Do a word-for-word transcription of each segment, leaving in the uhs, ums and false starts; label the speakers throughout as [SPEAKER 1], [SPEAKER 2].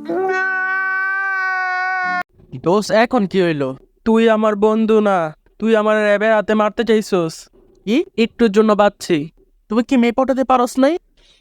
[SPEAKER 1] দোষ এখন কি হইলো? তুই আমার বন্ধু না, তুই আমার র্যাবের হাতে মারতে চাইছস। কি একটুর জন্য বাঁচছি? তুমি কি মেয়ে পটাতে পারস নাই?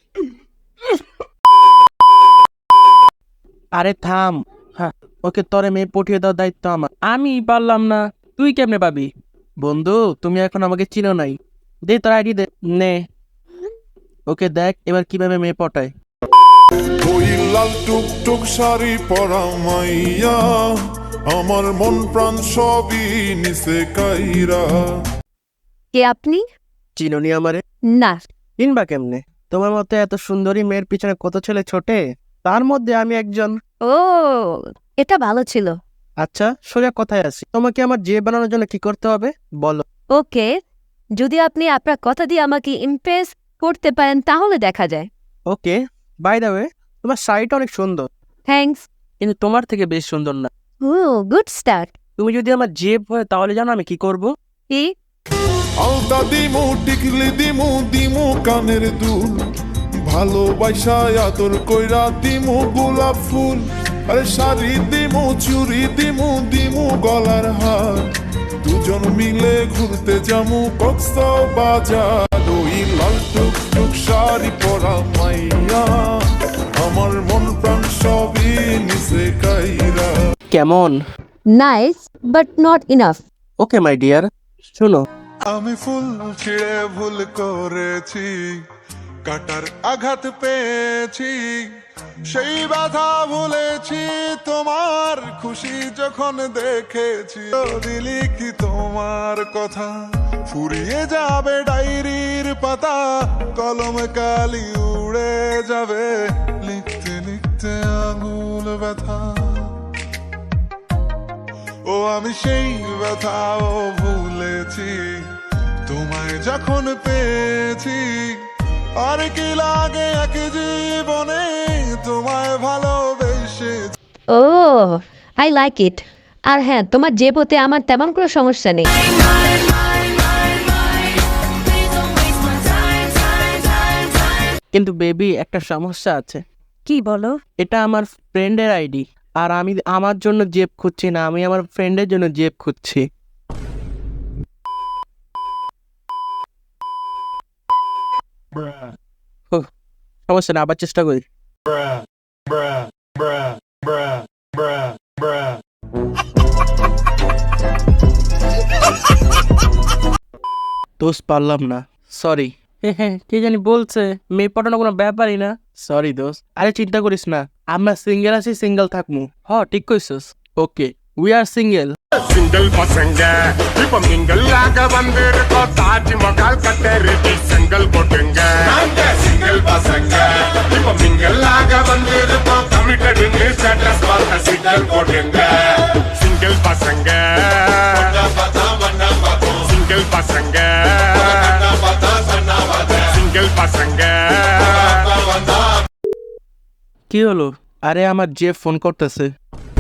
[SPEAKER 1] আরে থাম। হ্যাঁ, ওকে তরে মেয়ে পটিয়ে দেওয়ার দায়িত্ব আমার। আমি পারলাম না, তুই কেমনে পাবি? বন্ধু, তুমি এখন আমাকে চিনো নাই। দে তোর আইডি দে। নে, ওকে দেখ এবার কিভাবে মেয়ে পটায়।
[SPEAKER 2] ওই লাল টুকটুক শাড়ি পরা মাইয়া আমার মন প্রাণ সবই নিচে কাইরা।
[SPEAKER 3] কে আপনি?
[SPEAKER 1] চিনোনি আমারে?
[SPEAKER 3] না।
[SPEAKER 1] চিনবা কেমনে? তোমার মতো এত সুন্দরী মেয়ের পিছনে কত ছেলে ছোটে, তার মধ্যে আমি একজন।
[SPEAKER 3] ও, এটা ভালো ছিল।
[SPEAKER 1] আচ্ছা, সোজা কথায় আসি, তোমাকে আমার যে বানানোর জন্য কি করতে হবে বলো।
[SPEAKER 3] ওকে, যদি আপনি আপনার কথা দিয়ে আমাকে ইমপ্রেস করতে পারেন তাহলে দেখা যায়।
[SPEAKER 1] ওকে, বাই দ্য ওয়ে, তোমার শাড়িটা অনেক সুন্দর,
[SPEAKER 3] থ্যাঙ্কস।
[SPEAKER 1] কিন্তু তোমার থেকে বেশ সুন্দর না।
[SPEAKER 3] Oh, good start.
[SPEAKER 1] তুমি যদি আমার জেব হয় তাহলে জানো আমি কি করব?
[SPEAKER 3] কি?
[SPEAKER 2] আলতা দিমু টিকলি দিমু দিমু কানের দুল, ভালোবাসা আদর কইরা দিমু গোলাপ ফুল। আরে শাড়ি দিমু চুড়ি দিমু দিমু গলার হার, দুজন মিলে ঘুরতে যামু কক্সবাজার। ওই লাল টুকটুক শাড়ি পরা মাইয়া আমার মন প্রাণ সবই নিচে কাইরা।
[SPEAKER 1] কেমন?
[SPEAKER 3] Nice but not enough.
[SPEAKER 1] Okay my dear, শুনো।
[SPEAKER 2] আমি ফুল ছিঁড়ে ভুল করেছি, কাটার আঘাত পেয়েছি, সেই ব্যথা ভুলেছি তোমার খুশি যখন দেখেছি। দিলি কি তোমার কথা ফুরিয়ে যাবে ডায়েরির পাতা, কলম কালি উড়ে যাবে লিখতে লিখতে আঙুল ব্যথা। ও আমি সেই ব্যথাও ভুলেছি তোমায় যখন পেয়েছি। আর কি লাগে এক জীবনে তোমায় ভালোবেসে।
[SPEAKER 3] ও, আই লাইক ইট। আর হ্যাঁ, তোমার যে পথে আমার তেমন কোনো সমস্যা নেই।
[SPEAKER 1] কিন্তু বেবি, একটা সমস্যা আছে।
[SPEAKER 3] কি বলো?
[SPEAKER 1] এটা আমার ফ্রেন্ডের আইডি, আর আমি আমার জন্য জেব খুঁজছি না, আমি আমার ফ্রেন্ডের জন্য জেব খুঁজছি। ওহ, সমস্যা না, আবার চেষ্টা করি। দোষ পারলাম না, সরি। হ্যাঁ হ্যাঁ, কে জানি বলছে মেয়ে পটানো কোনো ব্যাপারই না। সরি দোষ। আরে চিন্তা করিস না, আমরা সিঙ্গেল আছি, সিঙ্গেল থাকমু। হ, ঠিক কইছস। Okay, we are single.
[SPEAKER 4] Single ಪಸಂಗ ಇಪ್ಪ ಮಿಂಗಲ್ ಆಗ ಬಂದಿರುತ್ತೋ ತಾಜ್ ಮಹಲ್ ಕಟ್ಟೆರಿಟಿ ಸಿಂಗಲ್ ಕೊಟ್ಟಂಗ ಸಿಂಗಲ್ ಪಸಂಗ ಇಪ್ಪ ಮಿಂಗಲ್ ಆಗ ಬಂದಿರುತ್ತೋ ಕಮಿಟೆಡ್ ಇನ್ ಸ್ಟೇಟಸ್ ವಾರ್ತ ಸಿಂಗಲ್ ಕೊಟ್ಟಂಗ ಸಿಂಗಲ್ ಪಸಂಗ ಸಿಂಗಲ್ ಪಸಂಗ ಸಿಂಗಲ್ ಪಸಂಗ।
[SPEAKER 1] কি হলো? আরে আমার যে ফোন করতেছে।